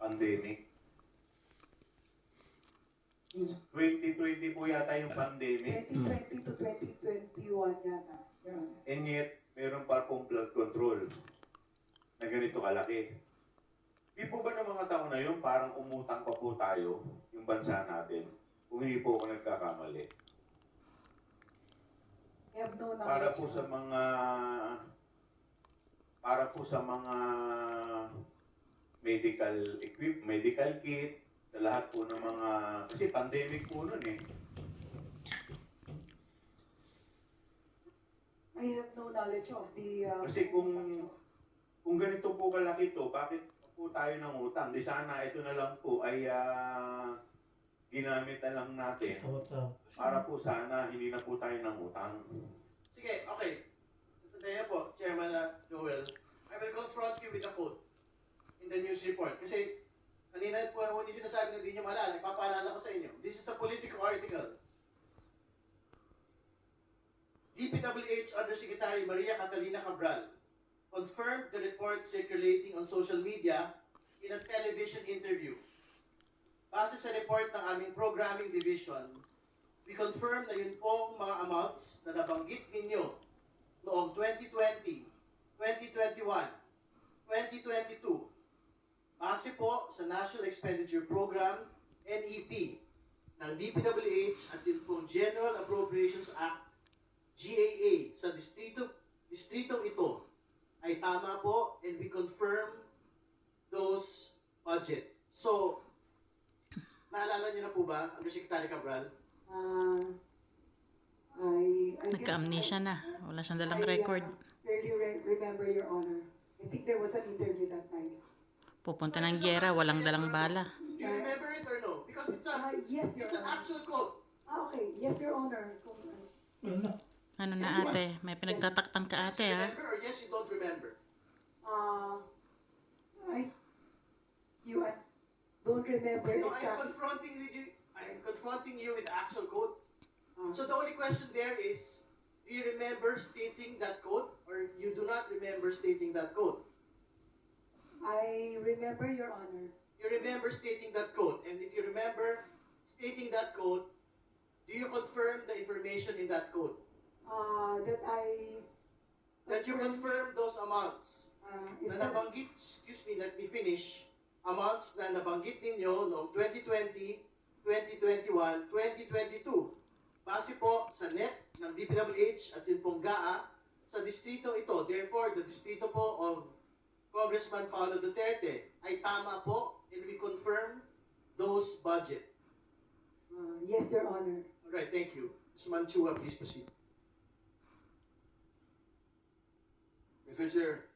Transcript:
pandemic. 2020 po yata yung pandemic. 2020 to 2021 yata. Your Honor. And yet, meron pa pong flood control na ganito kalaki. Di po ba ng mga tao na yun, parang umutang pa po tayo, yung bansa natin, kung hindi po ako nagkakamali. I have no knowledge. Para po sa mga medical kit, sa lahat po ng mga, kasi pandemic po nun eh. I have no knowledge of the... Kasi kung ganito po kalaki to, bakit po tayo ng utang? Di sana ito na lang po ay ginamit na lang natin para po sana hindi na po tayo ng utang. Sige, okay. Kaya po, Chairman Joel, I will confront you with a quote in the news report. Kasi kanina po hindi sinasabi na hindi nyo maalala, ipapaalala ko sa inyo. This is the Politico article. DPWH Undersecretary Maria Catalina Cabral confirmed the report circulating on social media in a television interview. Base sa report ng aming programming division, we confirm na yun pong mga amounts na nabanggit ninyo noong 2020, 2021, 2022, base po sa National Expenditure Program, NEP, ng DPWH at yun pong General Appropriations Act, GAA, sa distritong ito, ay tama po and we confirm those budget. So, naalala niyo na po ba, Undersecretary Cabral? Nagka-amnesia na. Wala siyang dalang record. Clearly remember, Your Honor. I think there was an interview that night. Pupunta ng gyera, walang dalang bala. Do you remember it or no? Because it's Yes, Your it's an Honor. actual quote. Okay. Yes, Your Honor. Ano na ate? May pinagtatakpan ka ate Yes, you ha? remember or yes, you don't remember? I don't remember No, exactly. I am confronting you with the actual quote. So the only question there is, do you remember stating that quote or you do not remember stating that quote? I remember, Your Honor. You remember stating that quote, and if you remember stating that quote, do you confirm the information in that quote? That you confirm those amounts na nabanggit, excuse me, let me finish, amounts na nabanggit ninyo noong 2020, 2021, 2022. Base po sa NEP ng DPWH at yun pong GAA sa distrito ito. Therefore, the distrito po of Congressman Paulo Duterte ay tama po and we confirm those budget. Yes, Your Honor. Alright, thank you. Ms. Manchua, please proceed. Mr. Chair,